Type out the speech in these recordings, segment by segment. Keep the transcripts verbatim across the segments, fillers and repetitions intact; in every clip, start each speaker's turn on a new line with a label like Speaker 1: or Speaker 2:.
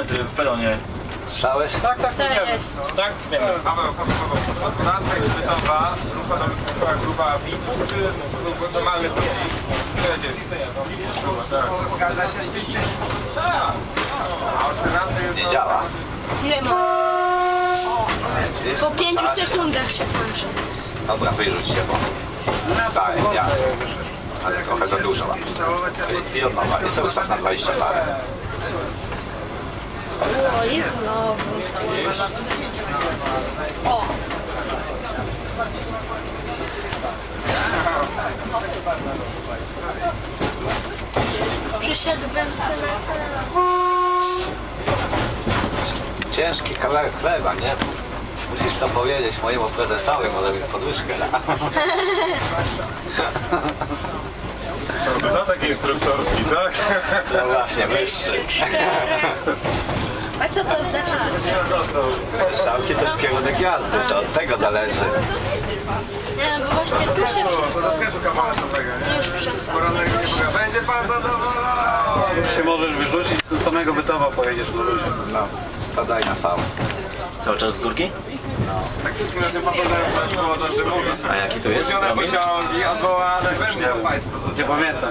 Speaker 1: metry w peronie.
Speaker 2: Słyszałeś?
Speaker 3: Tak, tak,
Speaker 4: To
Speaker 3: wiemy.
Speaker 4: jest.
Speaker 1: Tak? Wiemy.
Speaker 5: Paweł, Paweł, Paweł, o dwunastej chwytowa, grupa, do, grupa V I P-ów czy normalnych ludzi? Zgadza się z tym? A o czternastej jest...
Speaker 2: Nie działa.
Speaker 4: Ile ma? Po pięciu sekundach się kończy.
Speaker 2: Dobra, wyrzuć się, bo... Tak, ja. Ale trochę za dużo mam. I, i od nowa. I sobie ustaw na dwadzieścia parę.
Speaker 4: O, i znowu.
Speaker 2: Widzisz?
Speaker 4: O. Przysiadłbym sobie na...
Speaker 2: Ciężki kawałek chleba, nie? Musisz to powiedzieć mojemu prezesowi, może mi podwyżkę da.
Speaker 3: Dodatek instruktorski, tak?
Speaker 2: No właśnie, wyższy.
Speaker 4: A co to znaczy? To jest...
Speaker 2: Strzałki to jest kierunek jazdy, to od tego zależy.
Speaker 4: Nie, bo właśnie tu się wszystko...
Speaker 5: Rozkażu kawałek dobrego, nie?
Speaker 4: Już przesadzę.
Speaker 5: Poranek nie mówię, będzie pan zadowolony!
Speaker 3: Już się możesz wyrzucić, do samego Bytowa pojedziesz na luzie.
Speaker 2: No, to daj na V.
Speaker 1: Cały czas z górki?
Speaker 5: Tak wszystkim naszym pasażerom też było to, że mówić.
Speaker 1: A jaki tu jest?
Speaker 5: Kupione pociągi, odwołane, będą państwo.
Speaker 3: Nie pamiętam.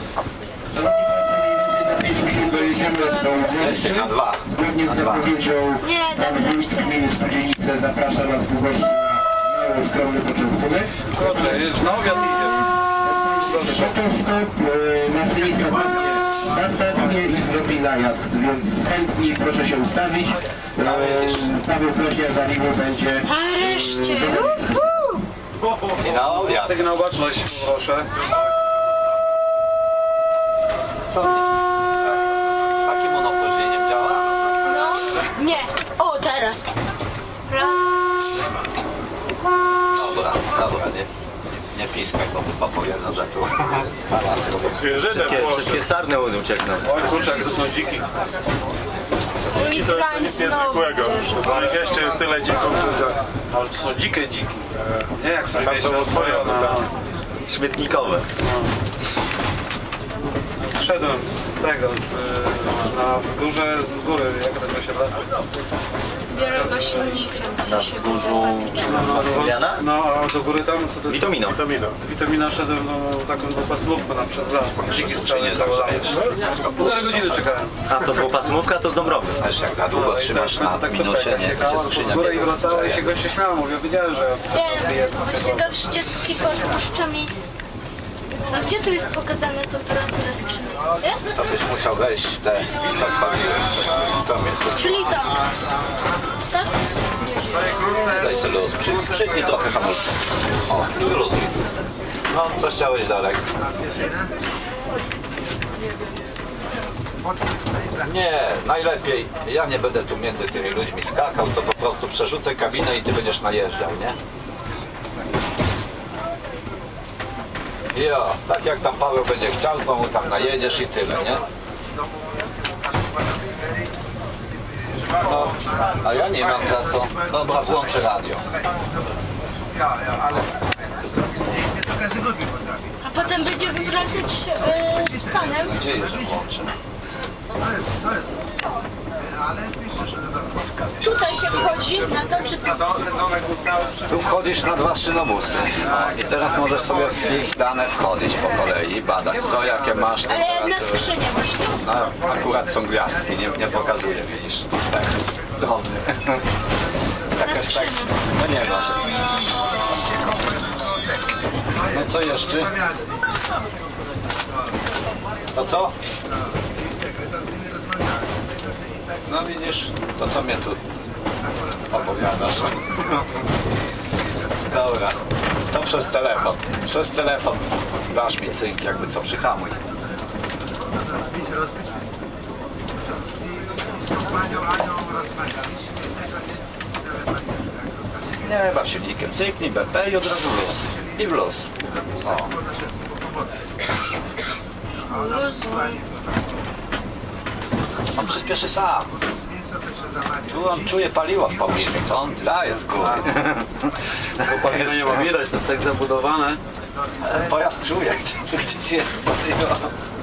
Speaker 2: Jesteś na dwa.
Speaker 6: Zgodnie
Speaker 2: Na
Speaker 6: z
Speaker 2: dwa.
Speaker 6: zapowiedzią
Speaker 4: Nie, dobra,
Speaker 6: wójt w imieniu Spółdzielnicy zaprasza nas w gości na mały, skromny poczęstunek.
Speaker 3: Kurczę, już na obiad idzie.
Speaker 6: Fotostop, e, maszynista na stację i zrobi najazd, więc chętni proszę się ustawić. E, Paweł Prośnia za niego będzie...
Speaker 4: nareszcie. Uhu.
Speaker 2: I na obiad.
Speaker 3: Sygnał baczność, proszę.
Speaker 2: Co? Z takim monopóźnieniem działa?
Speaker 4: No, nie. O, teraz. Raz.
Speaker 2: Dobra, dobra, nie, nie piskaj, bo chyba powiedzą, że tu halas robię.
Speaker 1: Wszystkie, wszystkie sarny uciekną.
Speaker 3: Oj kurczę, jak to są dziki.
Speaker 4: I krań
Speaker 3: Nic
Speaker 4: znowu.
Speaker 3: niezwykłego. Bo ich jeszcze jest tyle dzików, że... Ale to są dzikie dziki. Nie jak tam było swoje na...
Speaker 1: Śmietnikowe.
Speaker 3: Szedłem z tego, z, na w górze, z góry, jak to się da.
Speaker 4: Biorę go silnikiem.
Speaker 1: Na wzgórzu Maksymiliana?
Speaker 3: No, a do góry tam, co to jest?
Speaker 1: Witamino.
Speaker 3: Witamina. Z Witamina szedłem no, taką dwupasmówkę na przez las. Dziki
Speaker 2: Czy nie zagrzejesz?
Speaker 3: Półtorej godziny czekałem.
Speaker 1: A to dwupasmówka, to z Dąbrowy.
Speaker 2: Wiesz, jak za długo trzymasz
Speaker 3: Tak,
Speaker 2: na
Speaker 3: tak
Speaker 2: minusie,
Speaker 3: sobie
Speaker 2: nie, to się
Speaker 3: jechała
Speaker 2: skrzynia
Speaker 3: w górę i
Speaker 2: biegów
Speaker 3: wracała i się
Speaker 2: grzeje.
Speaker 3: goście śmiało, mówię, wiedziałem, że...
Speaker 4: Nie, właśnie do trzydziestki podpuszcza mi. A gdzie tu jest pokazana temperatura skrzyni? Jest?
Speaker 2: To byś musiał wejść w te, to wchodziłeś, to mnie tu.
Speaker 4: Czyli to. Tak?
Speaker 2: Daj sobie luz, przy, przytnij trochę hamulcem. O, i wyluzuj. No, coś chciałeś, Darek? Nie, najlepiej, ja nie będę tu między tymi ludźmi skakał, to po prostu przerzucę kabinę i ty będziesz najeżdżał, nie? Jo, tak jak tam Paweł będzie chciał, to mu tam najedziesz i tyle, nie? No, a ja nie mam za to. Dobra, włączę radio.
Speaker 4: A potem będziemy wracać e, z panem.
Speaker 2: Mam nadzieję, że włączę.
Speaker 4: Tutaj się wchodzi na to, czy tu?
Speaker 2: Tu wchodzisz na dwa szynobusy. No, i teraz możesz sobie w ich dane wchodzić po kolei, badać co, jakie masz
Speaker 4: Ale na
Speaker 2: temperatury.
Speaker 4: skrzynię właśnie.
Speaker 2: No, akurat są gwiazdki, nie, nie pokazuje, widzisz. Tak, drobny.
Speaker 4: Na
Speaker 2: Jakaś tak,
Speaker 4: skrzynię.
Speaker 2: no nie masz. No co jeszcze? To co? No widzisz, to co mnie tu opowiadasz? Dobra, to przez telefon. Przez telefon dasz mi cynk, jakby co, przyhamuj. Nie, baw silnikiem. Cyknij B P i od razu w luz. I w luz. O. On przyspieszy sam. Tu on czuje paliwo w pobliżu, to on daje z góry.
Speaker 3: Paliwo nie ma widać, to jest tak zabudowane.
Speaker 2: Pojazd czuje, gdzie tu gdzieś jest paliwo.